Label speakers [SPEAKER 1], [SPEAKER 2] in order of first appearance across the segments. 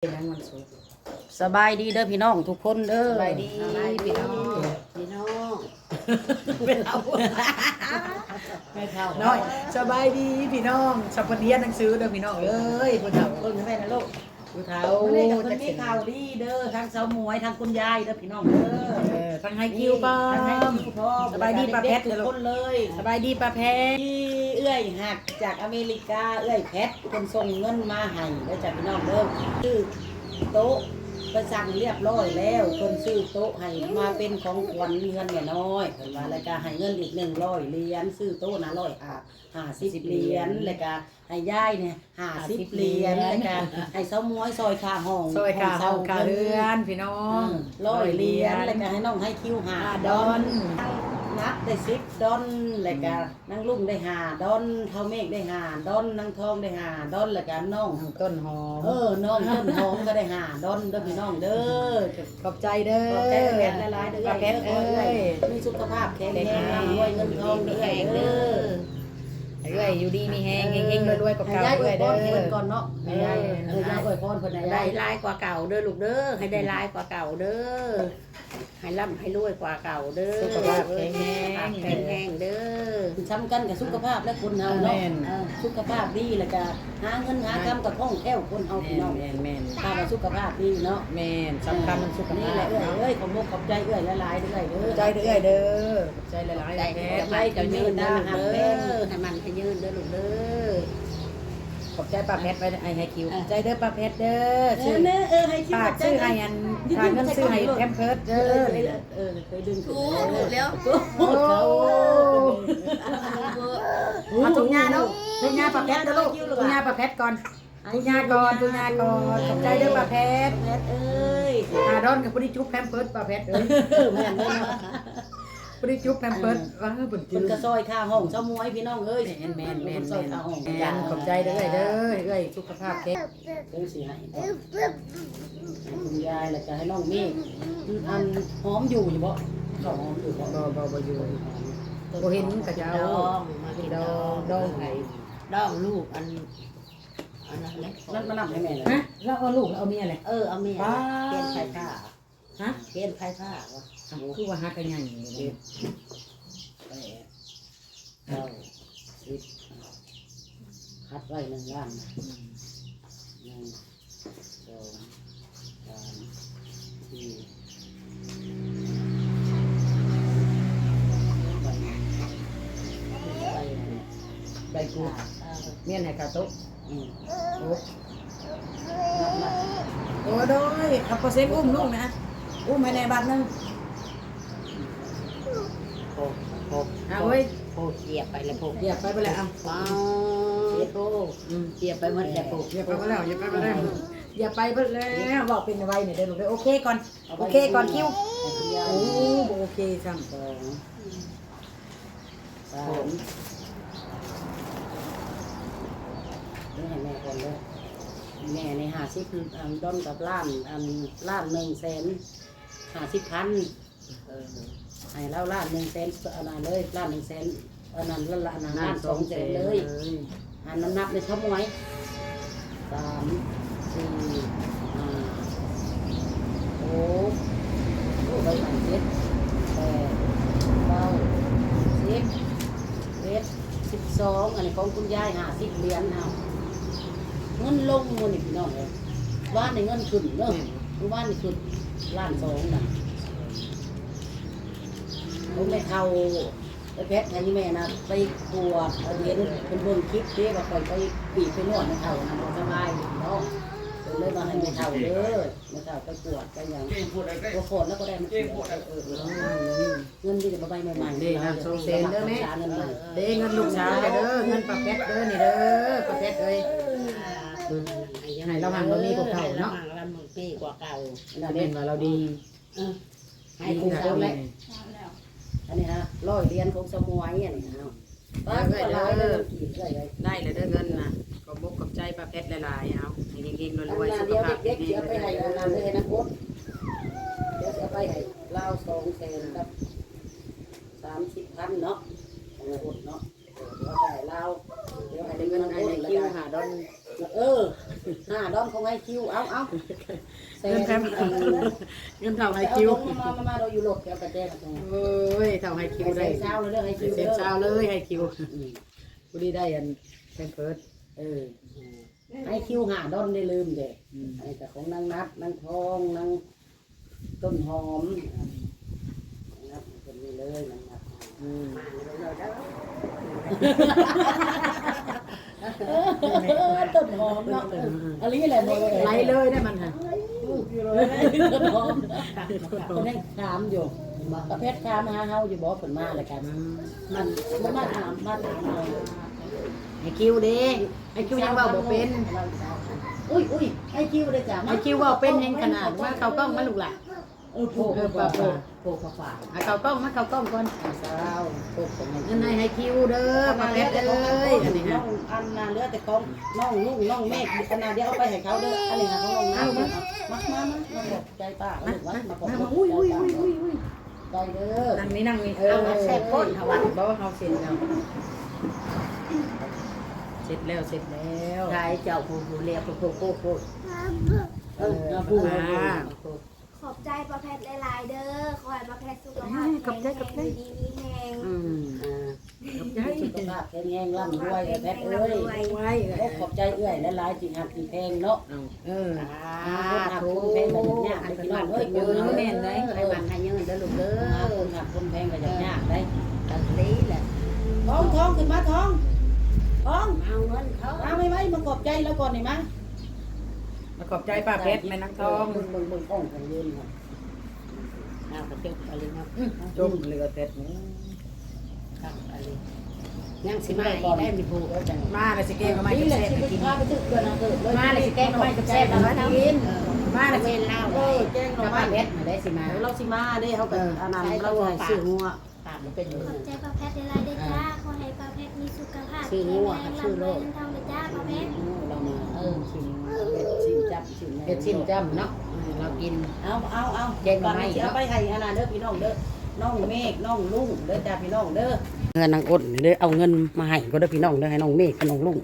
[SPEAKER 1] เป็นยังวันศุกร์
[SPEAKER 2] สบายดีเด้อพี่น้องทุกคนเด้อ
[SPEAKER 1] สบายดีพี่น้อง
[SPEAKER 2] พี่น้อง
[SPEAKER 1] ไม่เท่าไม่เท่าน้อยสบายดีพี่น้องสัปเดียนหนังสือเด้อพี่น้องเอ้ยผู้เฒ่าเบิ่งแม่นะลูกผู้เฒ่า
[SPEAKER 2] วันนี้กับคนมีข่าวดีเด้อทั้งสาวหมวยทั้งคุณยายเด้อพี่น้องเด้อ
[SPEAKER 1] ทั้งให้คิวป้อ
[SPEAKER 2] ทั้งให้
[SPEAKER 1] ม
[SPEAKER 2] คิวพร้อม
[SPEAKER 1] สบายดีป้าแพทย์
[SPEAKER 2] ทุกคนเลย
[SPEAKER 1] สบายดีป้าแพทย์
[SPEAKER 2] ที่เอื้อยหักจากอเมริกาเอื้อยแพทคนส่งเงินมาให้เด้อจากพี่น้องเด้อซื้อโต๊ะไปสั่งเรียบร้อยแล้วคนซื้อโต๊ะให้มาเป็นของขวัญเงินแม่น้อยเพิ่นว่าแล้วก็ให้เงินอีก100เหรียญซื้อโต๊ะนะ50เหรียญแล้วก็ให้ยายเนี่ย50เหรียญแล้วก็ให้เซาม้วยซอยค่าห้อง
[SPEAKER 1] ซอยขาห้องขาเรือนพี่น้อง
[SPEAKER 2] 100เหรียญแล้วก็ให้น้องให้คิว5
[SPEAKER 1] ดอน
[SPEAKER 2] นับได้10ดอนแล้วก็นางลุงได้5ดอนเท่าเมฆได้5ดอนนางทองได้5ดอนแล้วก็น้อง
[SPEAKER 1] ต้นหอม
[SPEAKER 2] น้องต้นหอมก็ได้5ดอนเด้อพี่น้องเด้อ
[SPEAKER 1] ขอบใจเด้อ
[SPEAKER 2] ขอบใจแพทย์หลายๆเด้อ
[SPEAKER 1] ป้าแพทย์เอ้ย
[SPEAKER 2] มีสุขภาพแข็งแรงร่ำรวยเงินทองเด้อเด้อ
[SPEAKER 1] เอ้ยอยู่ดีมีแฮงเฮงๆรวยๆกับเก่า
[SPEAKER 2] ให้ยายอ
[SPEAKER 1] เอ้
[SPEAKER 2] วย ยพ
[SPEAKER 1] เด้
[SPEAKER 2] รเพิ่นก่
[SPEAKER 1] อ
[SPEAKER 2] อนเนาะให้ยายยายอวยพรเพิ่นให้
[SPEAKER 3] ได้
[SPEAKER 2] ยาย
[SPEAKER 3] ลายกว่าเก่าเด้อลูกเด้อให้ได้ลายกว่าเก่าเด้อให้ร่ำให้รวยกว่าเก่าเด้อ
[SPEAKER 1] สุขภาพแข็งแรง
[SPEAKER 3] แข็งแรงเด้อ
[SPEAKER 2] สำคัญกับสุขภาพและคนเฮาเนาะสุขภาพดีแล้วก็หาเงินหาคำกับท่องแก้วคนเฮาพี่น้อง
[SPEAKER 1] แม่น
[SPEAKER 2] ถ้าว่าสุขภาพดีเนาะ
[SPEAKER 1] แม่นสำคัญสุข
[SPEAKER 2] นี่
[SPEAKER 1] ภา
[SPEAKER 2] แหละ
[SPEAKER 1] พ
[SPEAKER 2] เอ้ยขอบมุกขอบใจเอ้ยหลายๆเด้อ
[SPEAKER 1] ขอบใจเด้อเด้อขอบใจหลายๆ
[SPEAKER 3] ได้
[SPEAKER 1] แพ
[SPEAKER 3] จะ
[SPEAKER 1] ทย์
[SPEAKER 3] ไปจะยืนเด้อลูกเด้อให้มันให้ยืนเด้อลูกเด้อ
[SPEAKER 1] ขอบใจป้าแพทย์ไว้ไอ้ให้คิวขอบใจเด้อป้าแพทย์เด้อซื้อ
[SPEAKER 2] ให้คิด
[SPEAKER 1] ฝากซื้อให้อันฝากเงินซื้อให้แคมเพิร์ดเด้อ
[SPEAKER 2] เคยดึง
[SPEAKER 3] ถูกแล้ว
[SPEAKER 1] โอ้เอาถุงยาเนาะถุงยาป้าแพทย์เด้อลูกถุงยาป้าแพทย์ก่อนถุงยาก่อนถุงยาก่อนขอบใจเด้อป้าแพทย์
[SPEAKER 2] แพทย์เอ้ย
[SPEAKER 1] ดอนกับพอดีจุ๊บแคมเพิร์ดป้าแพทย์เอ้ย
[SPEAKER 2] แม่นเด้อ
[SPEAKER 1] พอดีจุ๊บแคมเพิร์ดว่าเพิ่น
[SPEAKER 2] เพิ่นก็ซอยค่าห้องเจ้ามวยพี่น้องเอ้ย
[SPEAKER 1] แม่น
[SPEAKER 2] ซอยค่าห้อง
[SPEAKER 1] ขอบใจเด้อเด้อสุขภาพแข็ง
[SPEAKER 2] เด้อสิให้คุณยายแล้วก็ให้น้องเมฆอันหอมอยู่บ่เขาหอมอยู่บ่
[SPEAKER 1] บ่อยู่บ่เห็นกระเจ้า
[SPEAKER 3] ดองมากินดอง
[SPEAKER 1] ดองไผ
[SPEAKER 3] ดองลูกอันนั้นแหละ
[SPEAKER 2] นั่นมานำให้แม่เลย
[SPEAKER 1] ฮะแล้วเอาลูกเอาเมียเลย
[SPEAKER 3] เอาเมียเปลี่ยนไฟผ้า
[SPEAKER 1] ฮะ
[SPEAKER 3] เปลี่ยนไฟผ้าวะ
[SPEAKER 1] คือว่าฮักกันใหญ่
[SPEAKER 2] เจ็ดแปดเก้าสิบคัดไว้1 ล้าน1 2 3
[SPEAKER 1] ใบกูเมียนให้กาโต๊ะ
[SPEAKER 2] 4
[SPEAKER 1] โอ้โดยเอาเปอร์เซ็นต์อุ้มลูกนะอุ้มให้ในบัตรนึง
[SPEAKER 3] โพ
[SPEAKER 1] เอาเว้ย
[SPEAKER 3] โพเกียบไปเลยโพ
[SPEAKER 1] เหยียบไปเลยเอา
[SPEAKER 3] ว้าวโพเกียบไปหมดเลยโพ
[SPEAKER 1] เหยียบไปแล้วเหยียบไปแล้วอย่าไปเพิ่นแล้วบอกเป็นไว้เนี่ยเด้อลูกเด้อโอเคก่อนโอเคก่อนคิวโอ้บ่โอเคซ้ำ
[SPEAKER 2] 2 3นี่ให้แม่ก่อนเลยแม่ใน50อันดอนกับล้านอันล้าน150,000ให้แล้วล้าน100,000อันนั้นเลยล้าน100,000อันนั้นล้าน200,000เลยอันนั้นนับในชั่วโมง3 4 5 6ใบใหม่7 8 9 10 11 12อันนี้ของคุณยาย50เหรียญเอาเงินลงมื้อนี่พี่น้องเอ้ยว่านในเงินขึ้นเด้อว่านนี่ขึ้นล้าน2น่ะผมไม่เท่าไอ้เพชรให้แม่นะไปกวดเห็นเป็นเบิ่งคลิปเด้ว่าไปปีกไปนวดไม่เท่านะสบายเนาะเลยมาให้ไม่เท่าเด้อไม่เท่าไปกวดกันอย่างตัวโคตรแล้วก็ได้มาเงินที่จะมาใบใหม่ๆ
[SPEAKER 1] เด้นะโซเซนเด้อแม่
[SPEAKER 2] เงินใหม่
[SPEAKER 1] เด้เงินลูกสาวเด้อเงินป้าแพทย์เด้อนี่เด้อป้าแพทย์เอ้ย ให้เราหังเรามีกว่าเก่าเนาะ
[SPEAKER 3] เรามีกว่าเก่า
[SPEAKER 1] เล่นว่าเราดี
[SPEAKER 3] ให้คุณ
[SPEAKER 1] เจ้า
[SPEAKER 3] เจ้า
[SPEAKER 1] แม่
[SPEAKER 3] แม่
[SPEAKER 2] อันนี้ฮะ100เหรียญของสมวยอันนี้ฮะป้าก็หลายเลยกี่เลย
[SPEAKER 1] ได้เลยเด้อเงินนะขอบกขอบใจป้าแพทย์หลายๆเอาให้เฮงๆรวยๆสุข
[SPEAKER 2] เดียว
[SPEAKER 1] ภาพ
[SPEAKER 2] เด็กๆ
[SPEAKER 1] ดี
[SPEAKER 2] เสียไปให้อันนั้นเลยนะโค้ชเดี๋ยวเสียไปให้ลาว200,000กับ30,000เนาะของโค้ชเนาะเดี๋ยวให้ลาวเดี๋ยวให้ได้
[SPEAKER 1] เงิ
[SPEAKER 2] เงิ
[SPEAKER 1] น
[SPEAKER 2] น
[SPEAKER 1] ไอ้
[SPEAKER 2] โค้ช
[SPEAKER 1] ใน
[SPEAKER 2] แล้ว
[SPEAKER 1] คิว
[SPEAKER 2] กัน
[SPEAKER 1] หาดอน
[SPEAKER 2] 5 ดอองของให้คิวเอาแซน
[SPEAKER 1] เงินเท่าไฮคิว
[SPEAKER 2] มาเราอยู่รถเดี๋ยวกระแจกตรง
[SPEAKER 1] โอ้ยเท่าไฮคิวได้
[SPEAKER 2] เช้าเลยให้คิว
[SPEAKER 1] เซ็นเช้าเลยไฮคิวกูดีได้อันแพมเพิร์ส
[SPEAKER 2] ให้คิวหาดอนได้ลืมเด็กไอ้แต่ของนางนัดนางทองนางต้นหอมนับคนนี้เลยนางนัดต้นหอมเนาะอันนี้แหละบ่เลย
[SPEAKER 1] ไล่เลยได้มันค่ะ
[SPEAKER 2] ต้นหอมคนนี้ถามอยู่ประเภทถามหาเฮาอยู่บ่เพิ่นมาแล้วกันมันมาถามเรา
[SPEAKER 1] ไฮคิวเด้ไฮคิวยังเว้าบ่เป็น
[SPEAKER 2] อุ้ยไอ้คิวได้จ้ะ
[SPEAKER 1] ไฮคิวเว้าเป็นยังขนาดว่าเขากล้องมาลูกหล่ะ
[SPEAKER 2] โผล่ฝา
[SPEAKER 1] เขากล้องมาเขากล้องก่อน
[SPEAKER 2] สาวโผล่ของ
[SPEAKER 1] เงินในไฮคิวเด้อมาแป๊บเอ้ยอันนี้
[SPEAKER 2] น้
[SPEAKER 1] ฮะ
[SPEAKER 2] องอันน่ะเหลือแต่ของน้องลุงน้องเมฆขนาดเดียวเอาไปให้เขาเด้ออันนี้ค่ะของน้องน้ำมาบอกใจป้ามาบอก
[SPEAKER 1] อุ้ย
[SPEAKER 2] ใจเด้อ
[SPEAKER 1] นั่งนี่เอาแซ่บก้นเขาว่าบ่เฮาเสร็จแล้วเสร็จแล้ว
[SPEAKER 3] ชายเจ้าผู้เรียกผู้
[SPEAKER 2] ผู้
[SPEAKER 4] ขอบใจประแพทย์หลายๆเด้อขอให้ประแพทย์สุขภาพแข็งแรงดีมีแรง
[SPEAKER 2] ขอบใจสุขภาพแข็งแรงร่ำรวยแพทย์เอ้ยขอบใจเอื้อยและหลายจริงหักจริงแพงเนาะ
[SPEAKER 3] ถูกอันเป็นวันเกิดอยู่แม่นเลยให้มันให้เงินเด้อลูกเด้อ
[SPEAKER 2] คนหักคนแพงก็ยากได้
[SPEAKER 3] ตัดนี้แหละ
[SPEAKER 2] ท้องขึ้นมาท้อง
[SPEAKER 3] เอาเงินเขา
[SPEAKER 2] เอาไม่มาขอบใจแล้วก่อนนี่มั้ง
[SPEAKER 1] มาขอบใจป้าเพชรแม่นางทอง
[SPEAKER 2] มึงอ่องของยืนครับ
[SPEAKER 3] เอากระเทียมอะไรเนาะ
[SPEAKER 1] จมเหลือแต่หมู
[SPEAKER 3] ครับอะไรยังสิมาอีกได้มีผู้
[SPEAKER 1] มาเลยสิแกงก็ไม่
[SPEAKER 2] นี่
[SPEAKER 1] จะ
[SPEAKER 2] แหละ
[SPEAKER 1] แซ่บ
[SPEAKER 2] ชี
[SPEAKER 1] ไป
[SPEAKER 2] วิต
[SPEAKER 1] กิน
[SPEAKER 2] พาไปตึกเกินนะเกิดเลย
[SPEAKER 3] มาเลยสิแกงก็ไม่จะแซ่บแล้วนะกิน
[SPEAKER 1] มาเลย
[SPEAKER 3] เว
[SPEAKER 1] สิ
[SPEAKER 3] นเล่า
[SPEAKER 2] แจ้ง
[SPEAKER 3] จะ
[SPEAKER 2] เรา
[SPEAKER 3] มา
[SPEAKER 2] ไม่
[SPEAKER 3] เบ็ดมาได้สิมา
[SPEAKER 2] เราสิมาได้เขากับอันนั้นเราให้ซื้องัว
[SPEAKER 3] ตามมันเป็นอยู่
[SPEAKER 4] ขอบใจประแพทย์หลายๆเด้อจ้าขอให้ประแพทย์มีสุขภาพแข็งแรงร่ำรวยเงินทองเด้อจ้าประแพทย์
[SPEAKER 2] เรามาชิมชิมจับชิม
[SPEAKER 1] เฮ็ดชิมจ้ำเนาะเรากิน
[SPEAKER 2] เอาก่อนจะไปให้อันนั้นเด้อพี่น้องเด้อน้องเมฆน้องลุงเด้อจ้าพี่น้องเด้อเงินนางอดเด้อเอาเงินมาให้ก็เด้อพี่น้องเด้อให้น้องเมฆกับน้องลุง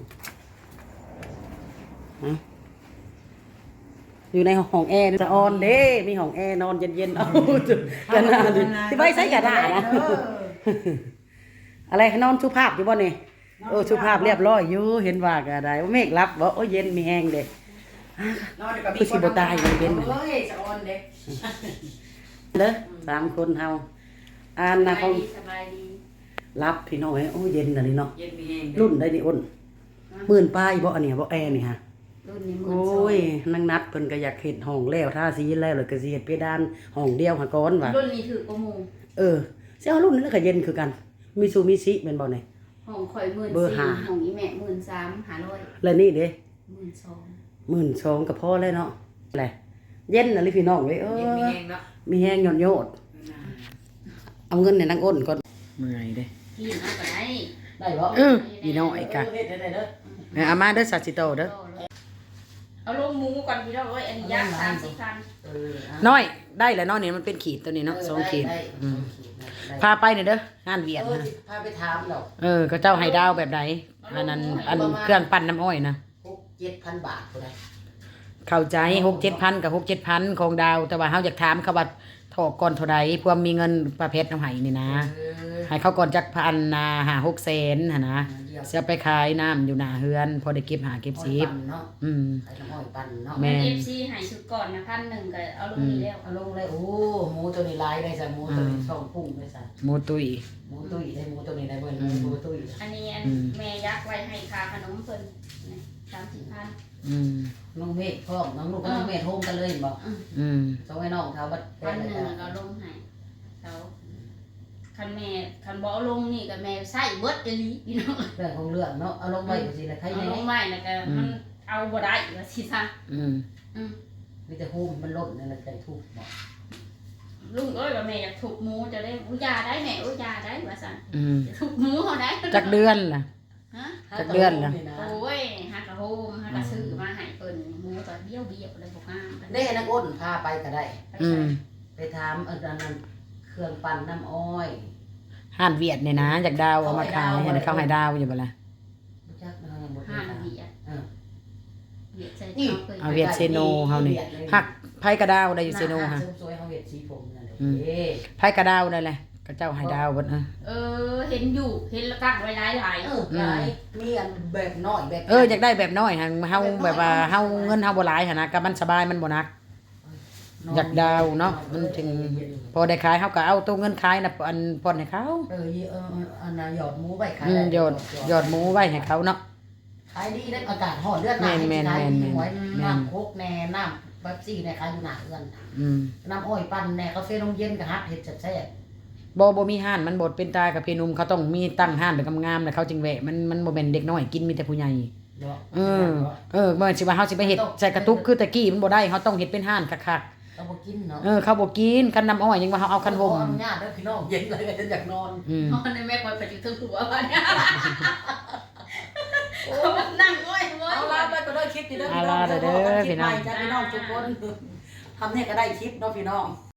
[SPEAKER 2] อยู่ในห้องแอร์จะออนเด้มีห้องแอร์นอนเย็นๆเอากันนาดิที่ไว้ใส่กระดาษนะอะไรนอนสุภาพอยู่บ่นี่สุภาพเรียบร้อยอยู่เห็นว่าก็ได้ว่าเมฆรับบ่โอ้เย็นมีแห้งเด้คือสิบ่ตายอยู่เย็น
[SPEAKER 1] เฮ้ยสะออนเด้
[SPEAKER 2] เด้อ3คนเฮาอ่านนะของ
[SPEAKER 3] สบายดี
[SPEAKER 2] รับพี่น้องโอ้เย็นอันนี้เนาะ
[SPEAKER 1] เย็นมีเอง
[SPEAKER 2] รุ่นได้นี่อ้น10,000ป้ายบ่อันนี้บ่แอร์นี่ฮะ
[SPEAKER 3] รุ่นนี้มื
[SPEAKER 2] โอ้ยนางนัดเพิ่นก็อยากเฮ็ดห้องแล้วทาสีแล้วแล้วก็สิเฮ็ดเพดานห้องเดียวหาก่อนว่ะ
[SPEAKER 3] รุ่นนี้ถือประมู
[SPEAKER 2] สิเอารุ่นนั้นแล้วก็เย็นคือกันมีซูมิซิแม่นบ่นี่
[SPEAKER 3] ห้องข่อย
[SPEAKER 2] เบอร์ห้า
[SPEAKER 3] 14,000ห้องอีแม่13,500
[SPEAKER 2] แล้วนี่เด้
[SPEAKER 3] 12,000
[SPEAKER 2] 12,000ก็พอแล้วเนาะแหละเย็นน่ะลิพี่น้องเว้ย
[SPEAKER 1] เย็นมีเองเนาะ
[SPEAKER 2] มีแฮงหย่อนโยดเอาเงินให้นางอ้นก่อน
[SPEAKER 1] เมื่อยเด้
[SPEAKER 3] กินเอาก็ได้
[SPEAKER 2] ได้บ่
[SPEAKER 1] พี่น้อยกะ
[SPEAKER 2] เฮ็ดได้เด้อ
[SPEAKER 1] เอามาเด้อซาซิโตเด้อ
[SPEAKER 3] เอาลงหมูก่อนพี่น้องเอ้ยอันนี้ย่าง30,000
[SPEAKER 1] น้อยได้แล้วเนาะนี่มันเป็นขีดตัวนี้เนาะ2ขีดพาไปหน่อยเด้องานเวียดนะ
[SPEAKER 2] พาไปถามดอก
[SPEAKER 1] ก็เจ้าให้ดาวแบบใดอันนั้นอันเครื่องปั่นน้ำอ้อยนะ
[SPEAKER 2] 6-7,000 บาทพุ่นน่ะ
[SPEAKER 1] เข้าใจ6-7,000กับ6-7,000ของดาวแต่ว่าเฮาอยากถามเขาว่าถอกก่อนเท่าใดเพื่อมีเงินประเภทเอาให้นี่นะให้เขาก่อนจักพันนะ5-6แสนหั่นนะจะไปขายน้ำอยู่หน้าเฮือนพอได้เก็บหาเก็บสิบ
[SPEAKER 2] เนาะ
[SPEAKER 1] อืม
[SPEAKER 2] ขายน้ำอ้อยปั่นเนาะ
[SPEAKER 1] แม่น
[SPEAKER 3] FC ให้ชุดก่อนนะ1,000ก็เอาลงนี้แล้ว
[SPEAKER 2] เอาลงเลยโอ้หมูตัวนี้ลายได้ซะหมูตัวนี้ช่องพุ่งได้ซะ
[SPEAKER 1] หมูตุย
[SPEAKER 2] หมูตุ้ยได้หมูตัวนี้ได้เบิ่นหมูตุ้ย
[SPEAKER 3] อันนี้แม่ยักไว้ให้ค่าขนมเพิ่นนี่30,000
[SPEAKER 1] อืม
[SPEAKER 2] น้องเมฆพร้อมน้องลูกกับน้องเมฆโฮมกันเลยบ่
[SPEAKER 1] อืม
[SPEAKER 2] ส่งให้น้องเขาบัด
[SPEAKER 3] 1,000ก็ลงให้เขาคันบ่เอาลงนี่ก็แม่ใส่เบิดอีหลีพี่น้อง
[SPEAKER 2] เรื่องของเรื่องเนาะเอาลงไว้ก็สิละใคร
[SPEAKER 3] เอา
[SPEAKER 2] แน่
[SPEAKER 3] ลงไว้แล้วก็มันเอาบ่ได้ว่าสิซะ
[SPEAKER 1] อืม
[SPEAKER 2] มีแต่โฮมมันลดนั่นแหละใจทุกข์บ่
[SPEAKER 3] ลุงเอ้ยว่าแม่อยากถูกหมูจะได้อุยาได้แม่อุยาได้ว่าซั่น
[SPEAKER 1] อืม
[SPEAKER 3] ถูกหมูเฮาได้
[SPEAKER 1] จักเดือนล่ะ
[SPEAKER 3] ฮะ
[SPEAKER 1] จักเดือนล่ะ
[SPEAKER 3] โอ้ยฮักกะโฮมฮักกะซื้อมาให้เพิ่นหมูก็เบี้ยวเลยบ่งาม
[SPEAKER 2] เด้นักอ้นพาไปก็ได้
[SPEAKER 1] อืม
[SPEAKER 2] ไปถามอันนั้นเครื่องปั่นน้ำอ้อย
[SPEAKER 1] ห่านเวียดเนี่ยนะจากดาวเอามาขายเห็นเขาให้ดาวอยู่บ่ล่ะ
[SPEAKER 2] บ่จักนะยังบ่
[SPEAKER 3] ห้า
[SPEAKER 2] ได้
[SPEAKER 3] นเบียด
[SPEAKER 2] เออ
[SPEAKER 3] เวียดใส่
[SPEAKER 2] นี่
[SPEAKER 3] เขาเคย
[SPEAKER 1] เอาเวียดเซโนเฮานี่หักไผกระดาวได้อยู่เซโน
[SPEAKER 2] ห
[SPEAKER 1] ฮะ
[SPEAKER 2] เสริมสวยเฮาเฮ็ดสีผมนั่นแหละ
[SPEAKER 1] อืม
[SPEAKER 2] เด้
[SPEAKER 1] ไผกระดาวได้แหละก็เจ้าให้ดาวเบิด
[SPEAKER 3] เห็นอยู่เห็นแล้วตั้งไว้หลาย
[SPEAKER 2] หลายมีอันแบบน้อยแบบ
[SPEAKER 1] อยากได้แบบน้อยหั่นเฮาแบบว่าเฮาเงินเฮาบ่หลายหั่นนะก็มันสบายมันบ่หนัก อยากดาวเนาะมันถึงพอได้ขายเฮาก็เอาตัวเงินขายน่ะอันผ่อนให้เขา
[SPEAKER 2] อันน่ะหยอดหมูไว้ขาย
[SPEAKER 1] หยอดหมูไว้ให้เขาเนาะ
[SPEAKER 2] ขายดีได้อากาศร้อนเลือดหนา
[SPEAKER 1] แม่น
[SPEAKER 2] ขายดีหวย
[SPEAKER 1] แม่น
[SPEAKER 2] น้ำโคกแน่น้ำเป๊ปซี่แน่ขายอยู่หน้าเอื้อน
[SPEAKER 1] อืม
[SPEAKER 2] น้ำอ้อยปั่นแน่กาแฟนมเย็นก็ฮัดเฮ็ดแซ่บ
[SPEAKER 1] บ่มีห้านมันบดเป็นตายกับพี่หนุ่มเขาต้องมีตั้งห้านเป็นงามๆแล้วเขาจึงแวะมันบ่แม่นเด็กน้อยกินมีแต่ผู้ใหญ่
[SPEAKER 2] ๆเนาะ
[SPEAKER 1] บ่สิว่าเฮาสิไปเฮ็ดใส่กระตุกคือตะกี้มันบ่ได้เฮาต้องเฮ็ดเป็นห้านคัก
[SPEAKER 2] เราบ่กินเนาะ
[SPEAKER 1] เขาบ่กินคันน้ำอ้อยยังว่าเฮาเอาคันห่ม
[SPEAKER 2] ขออนุญาตเด้อพี่น้องเย็นเลยก็จะอยากนอน
[SPEAKER 3] ๆนอนในแม่คอยไปอยู่ถึงหัวบ้านเนี่ยเขามานั่งง่อยง่อย
[SPEAKER 2] เอาล่ะไปก็ได้คลิปนี่เด้อ
[SPEAKER 1] เอา
[SPEAKER 2] พี่น้อง
[SPEAKER 1] ล่ะเด้อพี่น้อง
[SPEAKER 2] คลิปใหม่จ้ะพี่น้องทุกคนทำเนี่ยก็ได้คลิปเนาะพี่น้อง